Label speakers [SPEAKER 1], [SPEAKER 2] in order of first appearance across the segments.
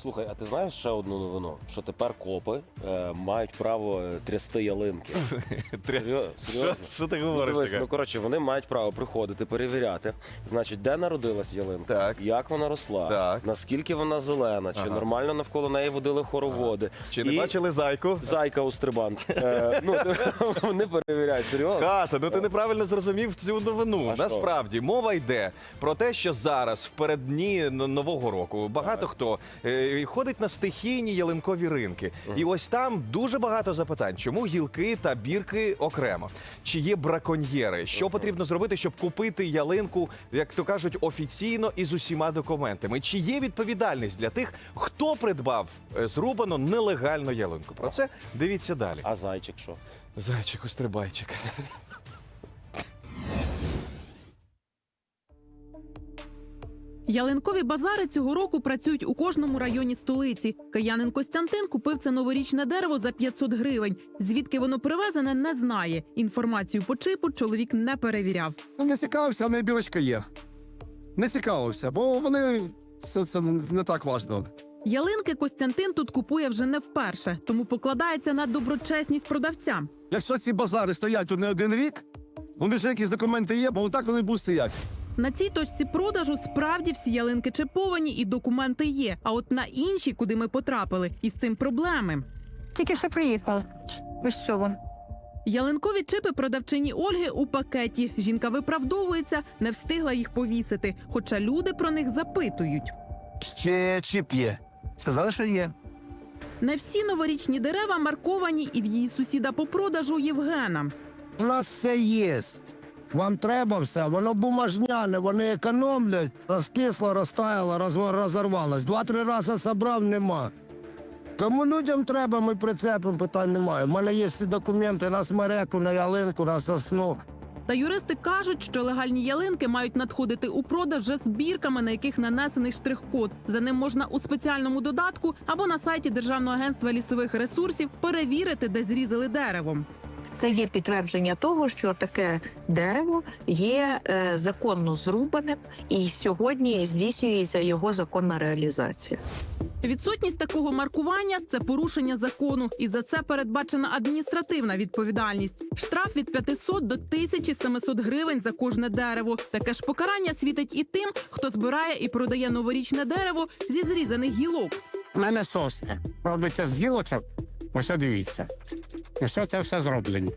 [SPEAKER 1] Слухай, а ти знаєш ще одну новину? Що тепер копи мають право трясти ялинки. Серйозно?
[SPEAKER 2] Що ти говориш
[SPEAKER 1] Дивись,
[SPEAKER 2] таке?
[SPEAKER 1] ну, коротше, вони мають право приходити, перевіряти, значить, де народилась ялинка,
[SPEAKER 2] Так.
[SPEAKER 1] як вона росла,
[SPEAKER 2] Так.
[SPEAKER 1] наскільки вона зелена, чи
[SPEAKER 2] Ага.
[SPEAKER 1] нормально навколо неї водили хороводи.
[SPEAKER 2] Чи не бачили зайку?
[SPEAKER 1] Зайка у стрибан. Вони перевіряють, серйозно.
[SPEAKER 2] Хаса, ну ти неправильно зрозумів цю новину.
[SPEAKER 1] А що?
[SPEAKER 2] Насправді, мова йде про те, що зараз, в переддні Нового року, багато хто ходить на стихійні ялинкові ринки. І ось там дуже багато запитань. Чому гілки та бірки окремо? Чи є браконьєри? Що потрібно зробити, щоб купити ялинку, як то кажуть, офіційно і з усіма документами? Чи є відповідальність для тих, хто придбав зрубану нелегальну ялинку? Про це дивіться далі.
[SPEAKER 1] А зайчик що?
[SPEAKER 2] Зайчик, острибайчик.
[SPEAKER 3] Ялинкові базари цього року працюють у кожному районі столиці. Киянин Костянтин купив це новорічне дерево за 500 гривень. Звідки воно привезене, не знає. Інформацію по чипу чоловік не перевіряв.
[SPEAKER 4] Не цікавився, в неї бірочка є. Не цікавився, бо вони це не так важливо.
[SPEAKER 3] Ялинки Костянтин тут купує вже не вперше, тому покладається на доброчесність продавця.
[SPEAKER 4] Якщо ці базари стоять тут не один рік, вони ж якісь документи є, бо так вони будуть стояти.
[SPEAKER 3] На цій точці продажу справді всі ялинки чиповані і документи є. А от на іншій, куди ми потрапили, із цим проблеми.
[SPEAKER 5] Тільки що приїхали. Ось що вон.
[SPEAKER 3] Ялинкові чипи продавчині Ольги у пакеті. Жінка виправдовується, не встигла їх повісити, хоча люди про них запитують.
[SPEAKER 4] Ще чіп є. Сказали, що є.
[SPEAKER 3] Не всі новорічні дерева марковані і в її сусіда по продажу Євгена.
[SPEAKER 6] У нас все є. Вам треба все, воно бумажняне, вони економлять, розкисло, розтаяло, розорвалось. 2-3 рази забрав, нема. Кому людям треба, ми прицепимо, питань немає. У мене є всі документи на смереку, на ялинку, на сосну.
[SPEAKER 3] Та юристи кажуть, що легальні ялинки мають надходити у продаж вже з бірками, на яких нанесений штрих-код. За ним можна у спеціальному додатку або на сайті Державного агентства лісових ресурсів перевірити, де зрізали дерево.
[SPEAKER 5] Це є підтвердження того, що таке дерево є законно зрубаним, і сьогодні здійснюється його законна реалізація.
[SPEAKER 3] Відсутність такого маркування – це порушення закону, і за це передбачена адміністративна відповідальність. Штраф від 500 до 1700 гривень за кожне дерево. Таке ж покарання світить і тим, хто збирає і продає новорічне дерево зі зрізаних гілок.
[SPEAKER 7] У мене сосни робиться з гілочок. Ось дивіться. І що це все зроблені?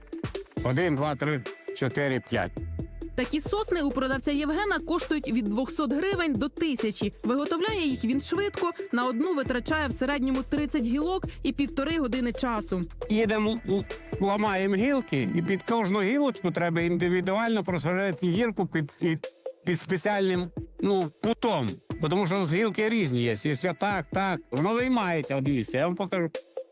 [SPEAKER 7] 1, 2, 3, 4, 5.
[SPEAKER 3] Такі сосни у продавця Євгена коштують від 200 гривень до 1000. Виготовляє їх він швидко, на одну витрачає в середньому 30 гілок і 1,5 години часу.
[SPEAKER 7] Їдемо, ламаємо гілки, і під кожну гілочку треба індивідуально просверлити гірку під спеціальним кутом. Тому що гілки різні є. Якщо так, воно виймається. От дивіться, я вам покажу.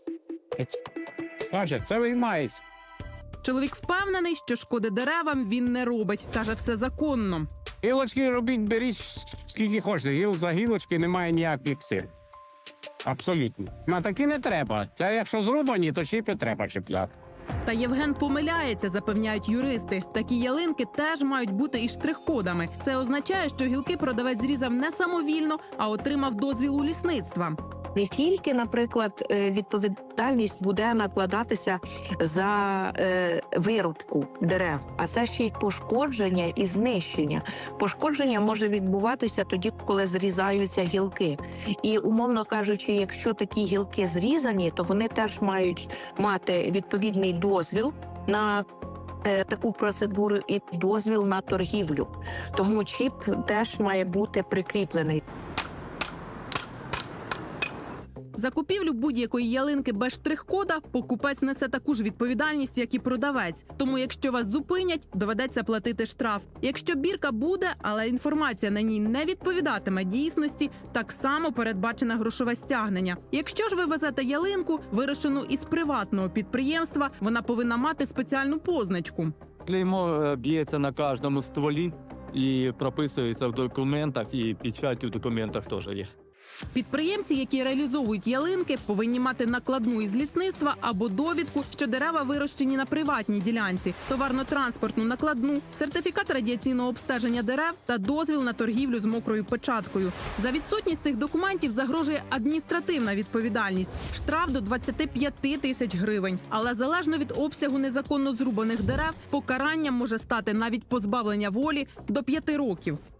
[SPEAKER 7] Бачите, це виймається.
[SPEAKER 3] Чоловік впевнений, що шкоди деревам він не робить. Каже, все законно.
[SPEAKER 7] Гілочки робіть, беріть скільки хочете. Гіл за гілочки немає ніяких сил. Абсолютно. На такі не треба. Це якщо зрубані, то чіпи треба чіпляти.
[SPEAKER 3] Та Євген помиляється, запевняють юристи. Такі ялинки теж мають бути із штрих-кодами. Це означає, що гілки продавець зрізав не самовільно, а отримав дозвіл у лісництва.
[SPEAKER 5] Не тільки, наприклад, відповідальність буде накладатися за вирубку дерев, а це ще й пошкодження і знищення. Пошкодження може відбуватися тоді, коли зрізаються гілки. І, умовно кажучи, якщо такі гілки зрізані, то вони теж мають мати відповідний дозвіл на таку процедуру і дозвіл на торгівлю. Тому чіп теж має бути прикріплений.
[SPEAKER 3] За купівлю будь-якої ялинки без штрих-кода покупець несе таку ж відповідальність, як і продавець. Тому якщо вас зупинять, доведеться платити штраф. Якщо бірка буде, але інформація на ній не відповідатиме дійсності, так само передбачене грошове стягнення. Якщо ж ви везете ялинку, вирощену із приватного підприємства, вона повинна мати спеціальну позначку.
[SPEAKER 8] Клеймо б'ється на кожному стволі і прописується в документах, і печать у документах теж є.
[SPEAKER 3] Підприємці, які реалізовують ялинки, повинні мати накладну із лісництва або довідку, що дерева вирощені на приватній ділянці, товарно-транспортну накладну, сертифікат радіаційного обстеження дерев та дозвіл на торгівлю з мокрою печаткою. За відсутність цих документів загрожує адміністративна відповідальність – штраф до 25 тисяч гривень. Але залежно від обсягу незаконно зрубаних дерев, покаранням може стати навіть позбавлення волі до 5 років.